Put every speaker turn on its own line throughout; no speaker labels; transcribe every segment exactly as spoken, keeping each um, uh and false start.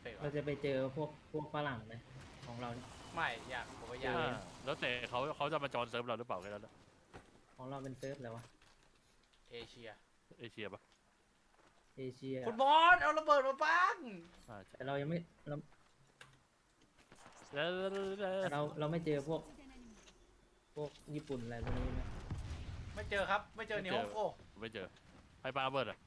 เฟกต์
เราจะไปเจอพวกพวกฝรั่งไหมของเราเนี่ย
ไม่อยากผมว่าอยาก
อ่าแล้วแต่เขาเขาจะมาจอยเซิร์ฟเราหรือเปล่าแค่นั้นแหละ
ของเราเป็นเซิร์ฟอะไรวะ
เอเชีย
เอเชียปะ
เอเชีย
คุณบอสเอาระเบิดมาปัง
อ่าใช่
แต่เรายังไม่เรา
แล้ว
แต่เราเราไม่เจอพวกพวกญี่ปุ่นอะไรพวกนี้ไหม
ไม่เจอครับไม่เจอนิฮงโก
ไม่เจอใครปาระเบิดอ่ะ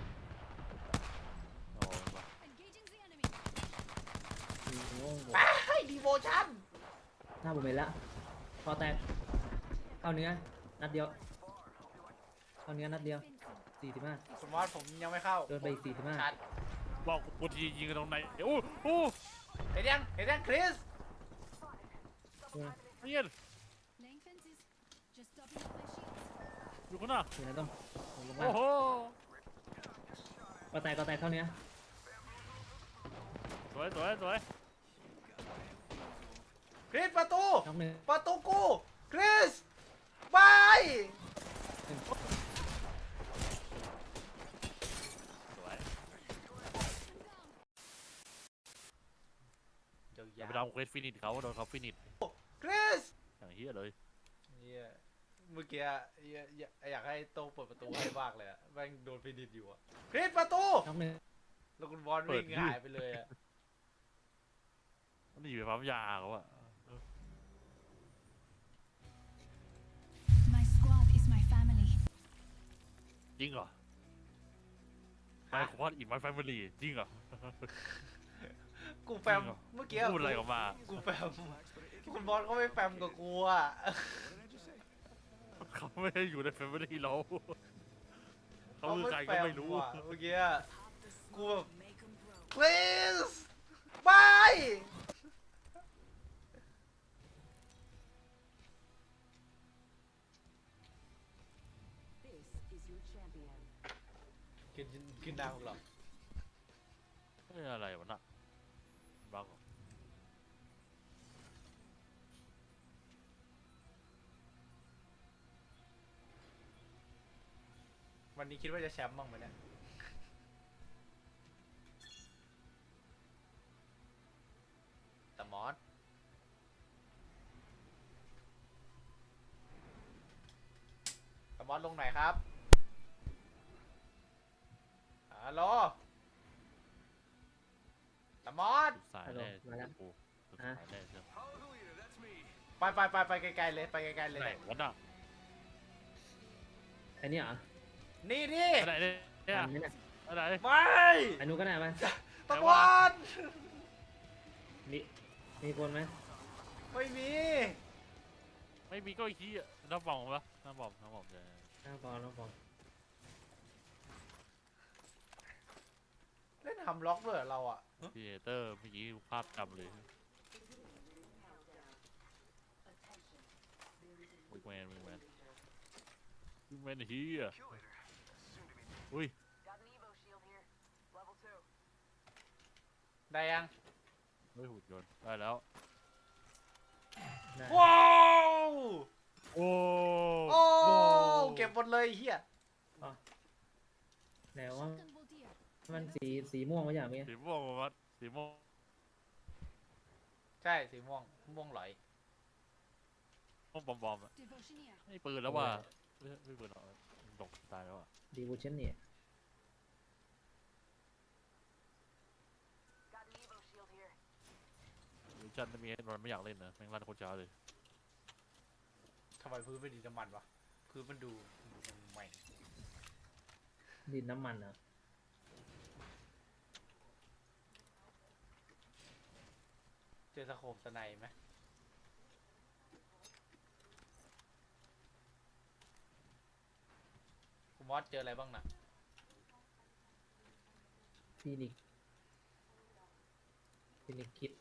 โอ้ยมา
มีโง่ง
ไปดีโวชั่น
หน้าผมเห็นละพอแตกเข้าเนื้อนัดเดียวเข้าเนื้อนัดเดียวสี่สิบห้า
คุณบอสผมยังไม่เข้า
โดนไปอีกสี่สิบห้า
ชัด
บอกกูทียิงกันตรงไหนโอ้โอ้
เห็นยังเห็นยังคริส
เนียนอยู่ข้างหน้า
อยู่ไหนต้องผมลงมา
โอ้โห
ก็แตกก็แตกเข้าเนื้อ
สวยสวยสวย
คริสประตู
น้องหนึ่ง
ประตูกูคริสไป
สวย
เดี๋ยว
อย่า
อย่า
ไปทำเควสฟินิชเขาโดนเขาฟินิช
คริส
อย่างเฮียเลย
เหี้ยเมื่อกี้เหี้ยอยากอยากให้โตเปิดประตูให้บ้างเลยอะแม่งโดนฟินิชอยู่อะคริสประตู
น้องหนึ่ง
แล้วคุณบอลวิ่งหายไปเลยอะ
มันหนีไปปั๊มยาเขาอะ
My squad is my family.
จริงเหรอไมโครพอดอินไมแฟมิลี่จริงเหรอ
กูแฟมเมื่อกี้
พูดอะไรออกมา
กูแฟมคุณบอลก็ไม่แฟมกับกูอะ
เขาไม่ได้อยู่ในแฟมิลี่เราเขาคือใครก็ไม่รู้
อะเมื่อกี้กูแบบ please ไป กินกินน้ำหรอ
เฮ้ยอะไรวะน่ะบังเหรอ
วันนี้คิดว่าจะแชมป์บ้างไหมเนี่ยแต่มอสแต่มอสลงไหนครับฮัลโหลแต่มอส
สุดสายแน่กูสุดสายแน่เชียว
ไปไปไปไปไกลๆเลยไปไกลๆเลย
ไหนวะน่ะ
ไอ้นี่เหรอ
นี่ดิ
ไหนเนี่ย
อันนี้เนี่ย
อะไร
ไม่
ไอ้นู้นก็ได้ไหม
ตะมอส
มีมีคนไหม
ไม่มี
ไม่มีก็อีกทีอ่ะน้ำบอมปะน้ำบอมน้ำบอมจะ
น้าบอลน้าบอล
เล่นทำล็อกด้วยเหรอเราอ่ะ
พีเตอร์เมื่อกี้ภาพจำเลยวิกแมนวิกแมนวิกแมนเฮียอุ้ย
ได้ยัง
ไม่หุ่นยนต์ได้แล้ว
ได้
ว้าว
โอ้
โอ้เก็บหมดเลยไอ้เฮีย
แต่ว่ามันสีสีม่วงไม่ใช่ไหม
สีม่วงวัดสีม่วง
ใช่สีม่วงม่วงหลอย
ม่วงบอมบอมอ่ะไม่ปืนแล้วว่ะไม่ไม่ปืนหรอกตกตายแล้วอ่ะ
ดีบูชันเนี่ย
วิชันไม่มีมันไม่อยากเล่นนะแม่งลั่นโคตรช้าเลย
ทำไมพื้นไม่ดีน้ำมันวะพื้นมันดูใหม่
ดินน้ำมันเหรอ
เจอสโคปสไนไหมคุณมอสเจออะไรบ้างน่ะ
ฟินิกฟินิกคิด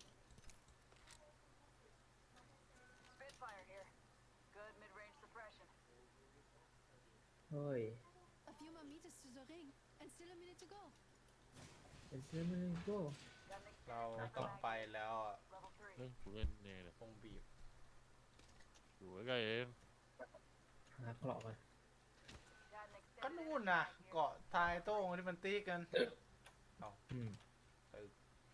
เฮ้ย
A few more meters to the ring, and still a minute to go.
เป็นเซอร์มันโก้
เราต้องไปแล้วอะ
เล่นกูเล่นเองเลย
คงบีบ
อยู่ใกล้ๆเอง
หาเกราะก่อน
ก็นู่นน่ะเกาะทายโต้งที่มันตีกัน
อืม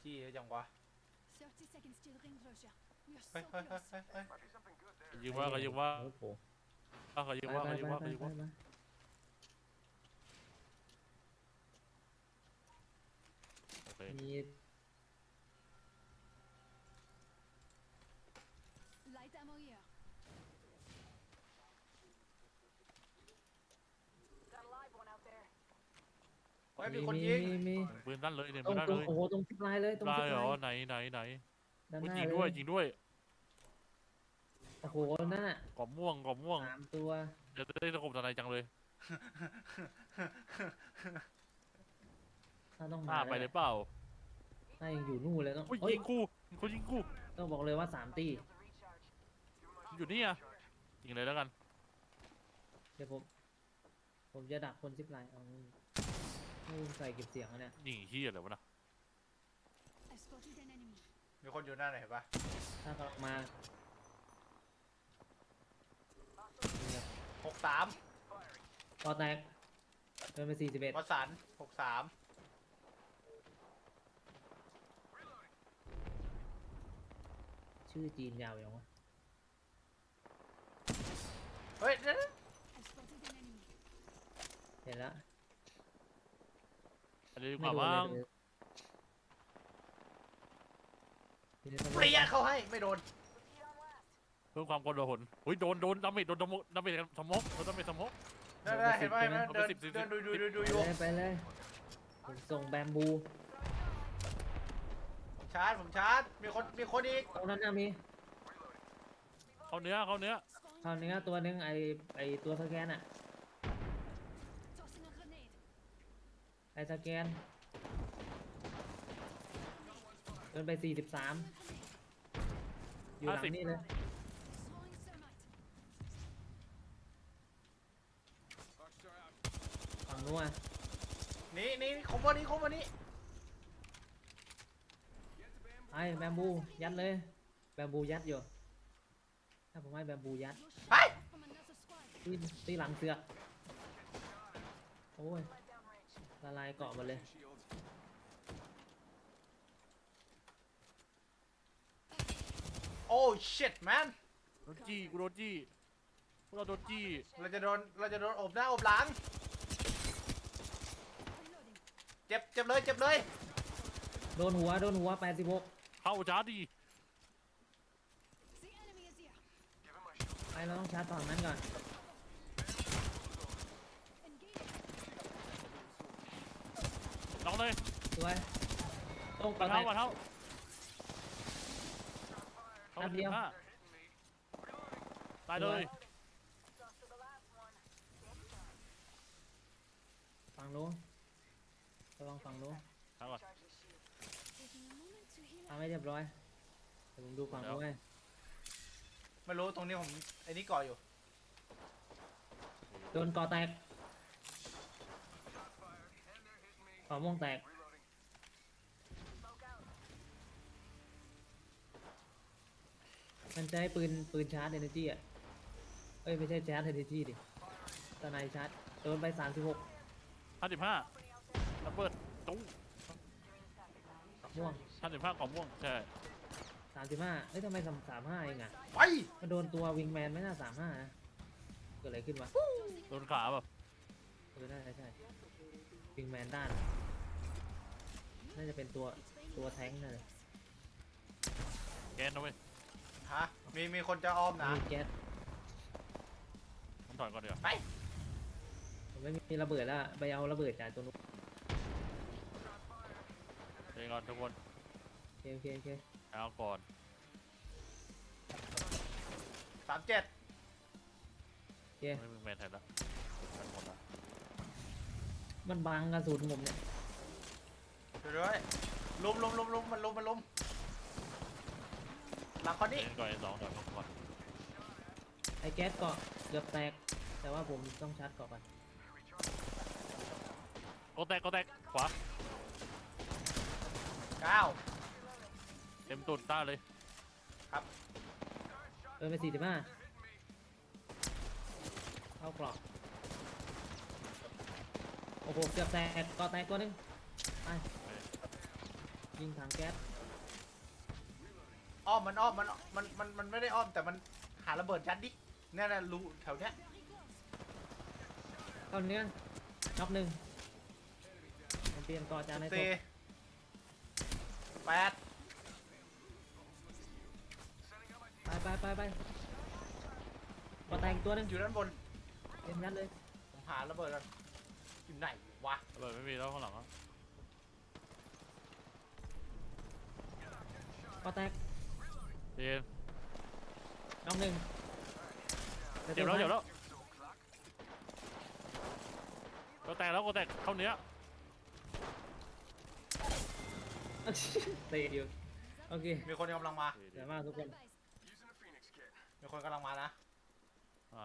ที่เยอะจังวะ
thirty seconds till ring closure. We are
เฮ้ย
so
เฮ้ยเฮ้ย
close.
เฮ้ยเฮ้ย
ยิงว่าก็ยิงว่า
โอ้โห
ก็ยิง
ไป
ว่า
ไป
ก็ยิง
ไป
ว่า
ไป
ก็ยิง
ไป
ว่า
ไป
โอเค
มี
Light ammo here.
เฮ้ยมีคน
มี
ยิง
มีมี
ปืนนั่นเลยเนี่ย
ตร
ปื
ง
นนั่น
ตร
เล
ง
ย
โอ้โหตรงซิปไลน์เลยตรง
ได้
ซิป
เหร
ไล
อ
น์
ไหนไหนไหน
ด้านห
อุ๊ย
น้า
ยิง
เล
ด้วย
ย
ยิงด้วย
โอ้โหนั่นน่ะ
กรอบม่วงกรอบม่วง
สามตัว
เดี๋ยวได้ตะขบตะไนจังเลย
ถ้าต้อง
ห
มา
น้าไปเลยเปล่า
ถ้ายังอยู่นู่นเลยต้อง
อุ้ย
เฮ้ย
ยิงกูคนยิงกู
ต้องบอกเลยว่าสามตี
อยู่นี่อ่ะยิงเลยแล้วกัน
เดี๋ยวผมผมจะดักคนซิปไลน์เอานู่นใส่เก็บเสียงอะเนี่ย
ยิงเฮียอะไรวะนะ
I spotted an enemy.
มีคนอยู่หน้าไหนเห็นปะ
ถ้ากำลังมาเนี่ย
หกสาม
พอแตกเดินไปสี่สิบเอ็ด
วสันหกสาม
ชื่อจีนยาวอย่างวะ
เฮ้ยเดี๋ยว
I spotted an enemy.
เห็นแล้ว
อันนี้ดีก
ไม่
ว่า
โดน
บ้าง
เลยเดี๋ยว
เปรี้ยเข้าให้ไม่โดน
เพิ่มความกดดันอุ้ยโดนโดนดาเมจโดนดาเมจดาเมจสมองโดนดาเมจสมอง
ได้ได้เห็นปะเห็นปะ
เอา
เดิ
ไป
น
สิบสิบ
เดินดูดู
สิบ
ดูดู
ไป
อยู่
เลยไปเลยผมส่งแบมบู
ผมชาร์จผมชาร์จมีคนมีคนอีก
ตรงนั้นนะมี
เข้าเนื้อเข้าเนื้อ
Spawn
คราวนี้ตัวนึงไอไอตัวสแกนอะ
tossing a grenade.
ไอสแกนเดินไปสี่สิบสาม
Throwing a grenade.
อยู่หลังนี่เลย
Throwing thermite.
ฝั่งนู้นอะ
นี่นี่คอมวันนี้คอมวันนี้
ไอแบมบูยัดเลยแบมบูยัดอยู่ถ้าผมให้แบมบูยัด
You're shot
เฮ้ย
from another squad.
ตีตีหลังเสือกโอ้ยละลายเกาะหมดเลย
โอ้ชิตแมน
โดนจี้กูโดนจี้พวกเราโดนจี้
เราจะโดนเราจะโดนอบหน้าอบหลัง
Reloading.
เจ็บเจ็บเลยเจ็บเลย
โดนหัวโดนหัวแปดสิบหก
เข้าชาร์จดี
The enemy is here.
ไปเราต้องชาร์จฝั่งนั้นก่อน
Engaging.
น้องเลย
สวยต้อง
มา
เกาะแต
เท้าก มาเท้าเข้า
นัด
ไป
เดี
ถึ
ยว
งห้าตายเลย
ฝั่งนู้นระวังฝั่งนู้น
ทางก่อน
Taking a moment to heal
ทำให้เรียบร้อยเดี๋ยวผมดูฝั่งนู้นให้
ไม่รู้ตรงนี้ผมไอ้นี่ก่ออยู่
โดนเกาะแตกเกาะม่วงแตกมันจะให้ปืนปืนชาร์จเอเนจีอ่ะเอ้ยไม่ใช่ชาร์จเอเนจีดิตอนไหนชาร์จโดนไปสามสิบหก
ห้าสิบห้าระเบิดตุ้ง
ม่วง
ห้าสิบห้ากล่องม่วงใช่
สามสิบห้าเอ้ยทำไมสามสามห้าเองอ่ะ
ไป
มันโดนตัววิงแมนไม่น่าสามห้านะเกิดอะไรขึ้นวะ
โดนขาแบบ
เออน่าจะใช่วิงแมนด้าน น่าจะเป็นตัวตัวแท้งนั่นเลย
แกนนะเว้ย
ฮะมีมีคนจะอ้อมนะ
มีแก๊ส
ผมถอยก่อนเดี๋ยว
ไป
ผมไม่มีระเบิดแล้วไปเอาระเบิดจากตัวนู้น
เดี๋ยวก่อนทุกคน
โอเคโอเคโอเค
เอาก่อน
สามเจ็ด
โอเค
ไม่มีแมนแทนละแมนหมดละ
มันบังกระสุนผมเนี่ย
ดูด้วยลุมลุมลุมลุมมันลุมมันลุมหลังคนนี้
เล่นก่อนไอ้สองเดี๋ยวผมก่อน
ไอ้แก๊สเกาะเกือบแตก แต่ว่าผมต้องชาร์จเกาะก่อน
ก็แตกก็แตกขวา
เก้า
เต็มตุนต้าเลย
เดินไปสี่สิบห้าเข้ากรอบโอ้โหเกือบแตกเกาะแตกตัวหนึงไปยิงถังแก๊ส
อ้อมมันอ้อมมันมันมันมันไม่ได้อ้อมแต่มันหาระเบิดยัดดิเนี่ยนะรูแถวเนี้ย
เข้าเนื้อน็อกหนึ่งผมเปลี่ยนก่อจานในศ
สี่
พ
แปด
ไปไปไปไปก่อแตกอีกตัวหนึง
อยู่ด้านบน
เต็มยัดเลย
ผมหาระเบิดกันอยู่ไหนวะ
ระเบิดไม่มีแล้วข้างหลังอ่ะ
ก่อแตก
เย็น
น็อกหนึ่ง
เจ็บแล้วเจ็บแล้วก็แตกแล้วก็แตกเข้าเนื้อ
เตะอยู่โอเค
มีคนกำลังมา
สวยมากทุกคน
มีคนกำลังมานะ
อ่า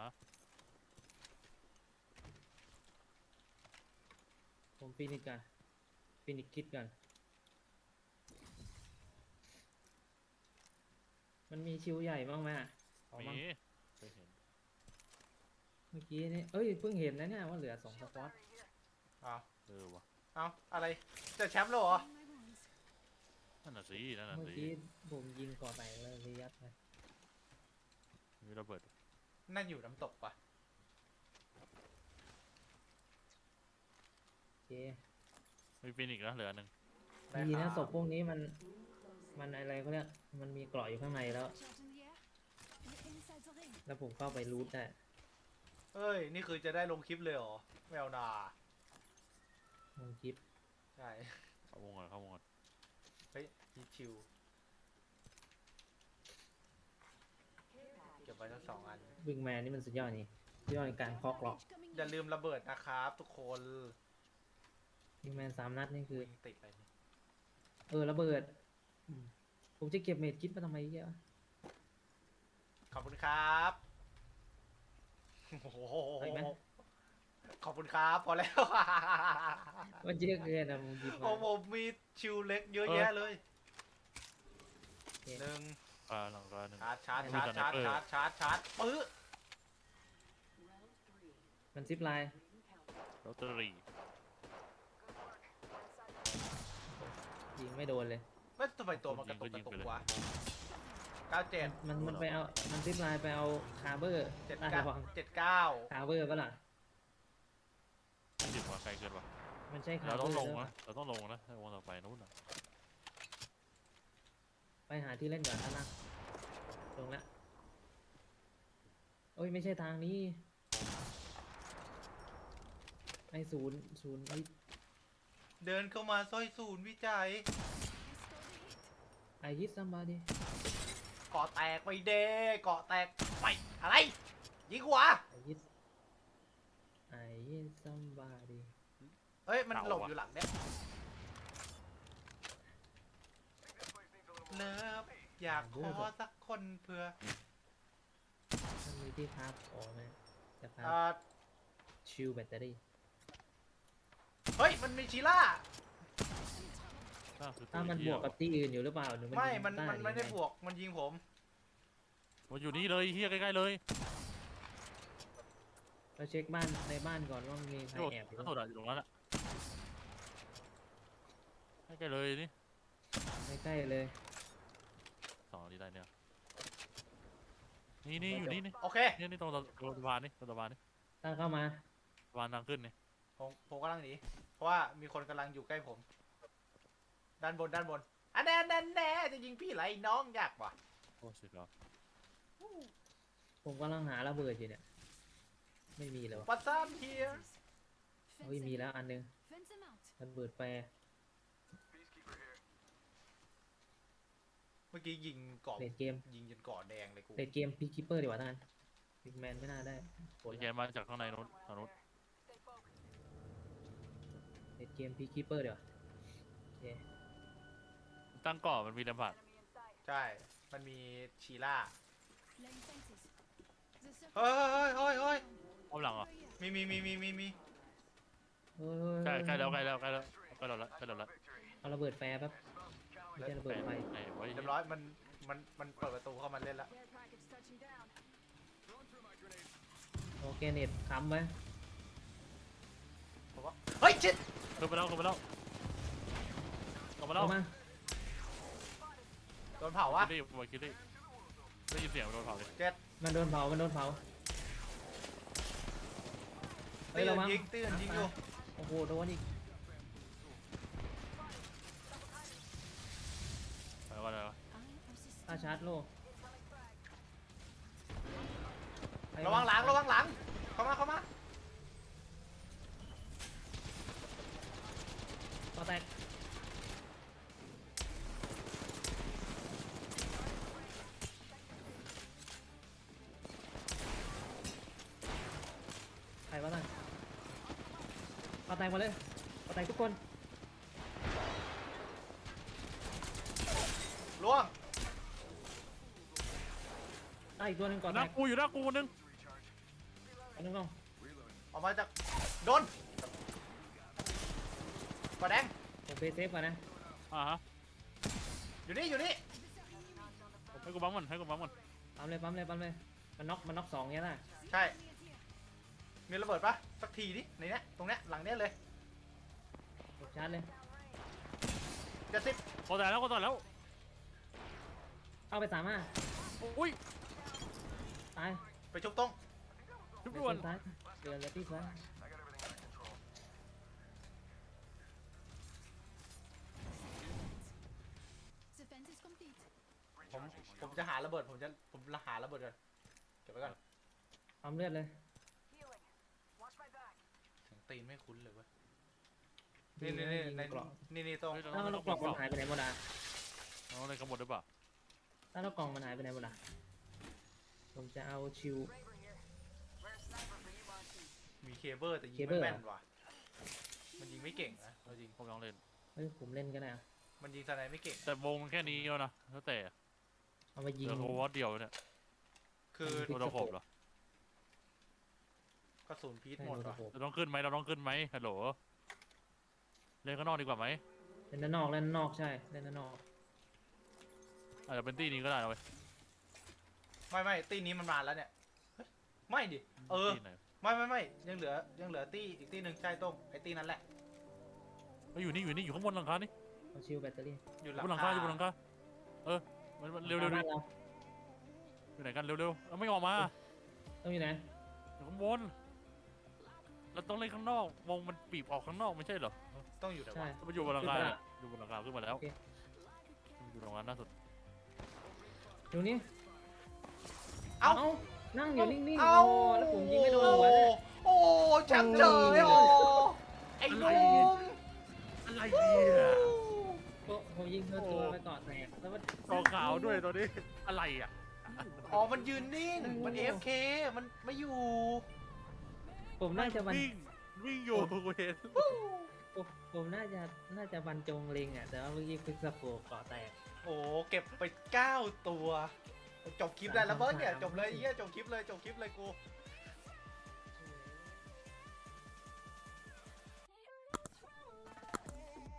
ผมฟินิชกันฟินิชคิดกันมันมีชิวใหญ่บ้างไหมอะขอ
มี
บ้าง
เคยเห็น
เมื่อกี้นี่เอ้ยเพิ่งเห็นนะเนี่ยว่าเหลือสองสควอต
เอา
เออวะ
เอาอะไรจะแชมป์แล้วเหรอ
My wounds.
นั่นน่ะสินั่นน่ะ
เมื่อ
สิ
กี้ผมยิงก่อแตกเลยยัดไป
มีระเบิด
นั่นอยู่น้ำตกปะ
โอเค
มีฟินิกส์นะเหลืออันหนึ่ง
ได้
ดี
ค
นะ
รับ
ศพพวกนี้มันมันอะไรเขาเรียกมันมีเกราะอยู่ข้างในแล้ว
Charge in the air. And inside the ring.
แล้วผมเข้าไปรูทได้
เอ้ยนี่คือจะได้ลงคลิปเลยเหรอไม่เอานา
ลงคลิป
ใช่
เข้าวงก่อนเข้าวงก่อน
เฮ้ยมีชิวเก็บไว้ทั้งสองอัน
วิงแมนนี่มันสุดยอดนี่สุดยอดในการเคาะเกราะ
Package coming
อย่า
in.
ลืมระเบิดนะครับทุกคน
วิงแมนสามนัดนี่คือ
วิ่งติดไปนี่
เออระเบิดอืมผมจะเก็บเมดคิดมาทำไมเยอะ
ขอบคุณครับโอ้โห
เอาอีกไหม
ขอบคุณครับพอแล้ว
มันเยอะเกินอะผมหยิบ
โอ้
มา
ผมมีชิวเล็กเยอะแยะเลย
โอเค
หนึ่ง
อ่าหลังร้านหนึ่ง
ชาร์จชาร์จ
มี
ชาร์จ
สไน
ชาร์จ
เปอร์
ชาร์จชาร์จชาร์จปื้อ
มันซิปไลน์
ลอตเตอรี่
ยิงไม่โดนเลย
เฮ้ยทำไมตัวมันกระตุกกระตุกวะเก้าเจ็ด
มันมันไปเอามันซิปไลน์ไปเอาคาร์เบอร์
เจ็ด
ได้
เก้า
ระวัง
เจ็ดเก้า
คาร์เบอร์ปะล่ะ
ไม่ถึงว่าไกลเกินว่ะ
มันใช่คา
เรา
ร์เบ
ต้
อ
อง
ร์
ลง
หรือเป
นะ
ล่า
เราต้องลงนะให้วงต่อไปนู้นน่ะ
ไปหาที่เล่นก่อนนะลงแล้วโอ้ยไม่ใช่ทางนี้ไอศูนย์ศูนย์ไอ
เดินเข้ามาซอยศูนย์วิจัย
ไอฮิตซัมบาดี
เกาะแตกไปเด้เกาะแตกไปอะไร ยิงหัว
ไอฮิตไอฮิตซัมบาดี
เฮ้ย มันหลบอยู่หลังเนี่ยเลิฟอยากขอสักคนเพื่อ
มันมีที่พักอ๋อไหมจะพัก
อ่า
ชิลแบตเตอรี่
เฮ้ย มันมีชีล่า
น่าคือตั
ถ้ามันบ
เหี้
วย กกับที่อื่นอยู่หรือเปล่าหรือมัน
ไม่
ยิง
มัน
ใต้
มันไม่
ห
ได้
รือ
บ
ง
วก มันยิงผม
มันอยู่นี่เลยเฮียใกล้ๆเลย
เราเช็คบ้านในบ้านก่อนว่ามีใคร
โดด
แอบอยู่
นั่นโดดอะอยู่ตรงนั้นอะใกล้ๆเลยนี่
ใกล้ๆเลย
สองนี้ได้เนี่ยนี่นี่อยู่นี่นี่
โอเค
นี่นี่ตรงตรงสะพานนี่ตรงสะพานนี่
ตั้งเข้ามา
สะพานทางขึ้นนี่
ผมผมกำลังหนี เพราะว่ามีคนกำลังอยู่ใกล้ผม ด้านบน ด้านบน อันแน่แน่แน่จะยิงพี่ไรน้องยากว่ะ
โอ้สิครับ
ผมกำลังหาระเบิดอยู่เนี่ย ไม่มีเลยวะ
ปัสซัมเฮีย
เฮ้ยมีแล้วอันนึง
Fence him out.
ระเบิดแฟร์
เมื่อกี้ยิงเกาะ
เลดเกม
ยิงจนเกาะแดงเลยกู
เลดเกมพีคิปเปอร์ดีกว่าท่านพิกแมนไม่น่าได้ผล
แกมาจากข้างในนู้นทางนู้น
เลดเกมพีคิปเปอร์ดีกว่าโอเค
ตั้งก่อมันมีลำบาก
ใช่ มันมีชีล่า
Laying fences. The circle.
เฮ้ยเฮ้ยเฮ้ยเฮ้ย
อ้อมหลังเหรอ
Over here.
มีมีมีมีมีมี
เฮ้ย
ใกล้ใกล้แล้วใกล้แล้วใกล้แล้วใกล้แล้วละใกล้แล้วละ
เอาระเบิดแฟร์แป๊บไม่ใช่ระเบิดไฟ
ไหนไว้
เรียบร้อย มัน มัน มันเปิดประตูเข้ามาเล่นแล้ว
Care package touching down.
โอเคเน็ตค้ำไว้
ผมว่า เฮ้ยชิด
ขึ้นไปแล้วขึ้นไปแล้วขึ้นไปแล้ว
เข้ามา
โดนเผาวะ
คิรี่บอยคิรี่ได้ยินเสียงโดนเผาเลย
มันโดนเผามันโดนเผาเฮ้
ตี
ย
อื่
ระ
น
วัง
ยิงตีอื่นยิงอยู่
โอ้โหโดนอีก
อะไรวะอะไรวะ
ตาชาร์จโล
ระวังหลังระวังหลังเข้ามาเข้ามา
ต่อแตกใครวะนั่นต่อแตกมาเลยต่อแตกทุกคน
ล่วง
ได้อีกตัวหนึ่งก่อน
ห
แต
น้าก กูอยู่หน้ากูคนนึง
อันนึงลอง
ออกมาจากโดนกระแดง
ผมเฟซเซฟก่อนนะ
อ่าฮะ
อยู่นี่อยู่นี่
ให้กูบังมันให้กูบังมัน
ปั๊มเลยปั๊มเลยปั๊มเลยมันน็อกมันน็อกสองเงี้ยน่ะ
ใช่มีระเบิดปะสักทีดิในเนี้ยตรงเนี้ยหลังเนี้ยเลย
กดชาร์จเลย
เจ็ดสิบ
โคตรแล้วโคตรแล้ว
เข้าไปสามห้า
อุ้ย
ตาย
ไปชุบตรง
ทุบ
เดื
ด่วน
อดซ้ายเดือดเลยที่ซ้าย
The fence is complete.
ผมผมจะหาระเบิดผมจะผมจะหาระเบิดก่อนเก็บไว้ก่อน
ปั๊มเลือดเลย
เสียงตีนไม่คุ้นเลยเว้ยนี่นี่นี่ใน
กล่อง
นี่นี่ตรง
แล้วเรากล่องมันหายไปไหนหมดอ่ะ
เอาอะไรกันหมดหรือเปล่า
แล้วเรากล่องมันหายไปไหนหมดอ่ะผมจะเอาชิว
มีเคเบิลแต่ยิง
เคเบิ
ไม่
ล
แม่นว่ะมันยิงไม่เก่งนะเอาจริง
ผมลองเล่น
เฮ้ยผมเล่นกันนะ
มันยิงสไนไม่เก่ง
แต่วงมันแค่นี้แล้วนะแล้วแต่
เอามายิง
เดี๋ยวโอเวอร์เดียวเนี่ย
คือ
ยิ
โดนผมเหรอก
ระสุนพีท
ให้
หมด
โดน
ว่ะ
โขก
เราต้องขึ้นไหมเราต้องขึ้นไหมฮัลโหลเล่นข้างนอกดีกว่าไหม
เล่นด้านนอกเล่นด้านนอกใช่เล่นด้านนอก
อาจจะเป็นตี้นี้ก็ได้นะเว้ย
ไม่ไม่ตีนี้มันมาแล้วเนี่ยเฮ้ยไม่ดิเออ
ตี้ไหน
ไม่ไม่ไม่ยังเหลือยังเหลือตีอีกตีหนึ่งใช่ตรงไอ้ตีนั่นแหละ
เฮ้ยอยู่นี่อยู่นี่อยู่ข้างบนหลังคานี่
เอาชิวแบตเตอรี่
อยู่
อ
หลั
ยู่
ง
บนหลังคาอยู่บนหลังคาเออมันมันเร็วเร็วเร็ว
บ้านเรา
อยู่ไหนกันเร็วเร็วเอาไม่ออกมา
ต้องอยู่ไหน
อยู่ข้างบนเราต้องเล่นข้างนอกวงมันบีบออกข้างนอกไม่ใช่เหรอ
ต้องอยู่ไหน
ใช่
วะ
มันอยู่บนหลังคาเนี่ยอยู่บนหลังคาขึ้นมาแล้ว
โอเค
อยู่ตรงนั้นล่าสุด
ตรงนี้
เอ้า
นั่งอยู่นิ่งๆ
เอ้า
โอ้แล้วผมยิงไม่โดนหัวเลย
โอ้แชมป์เฉยโอ้ไอ้หนุ่ม
อะไรเนี่ย
ก็ผมยิงเธอตัวไปก่อนแตกแล้วมัน
กอขาวด้วยตัวนี้อะไรอ่ะ
อ๋อมันยืนนิ่งมันเอฟเคมันไม่อยู่
ผมน่าจะบรร
วิ่งวิ่งอยู่กูเห็น
ผมผมน่าจะน่าจะบรรจงเล็งอ่ะแต่ว่าเมื่อกี้คือสะโพกเกาะแตก
โอ้เก็บไปเก้าตัวจบคลิปได้แล้วเบิร์ดเนี่ย
สาม
จบเลยไอ้เหี้ยจบคลิปเลยจบคลิปเลยกู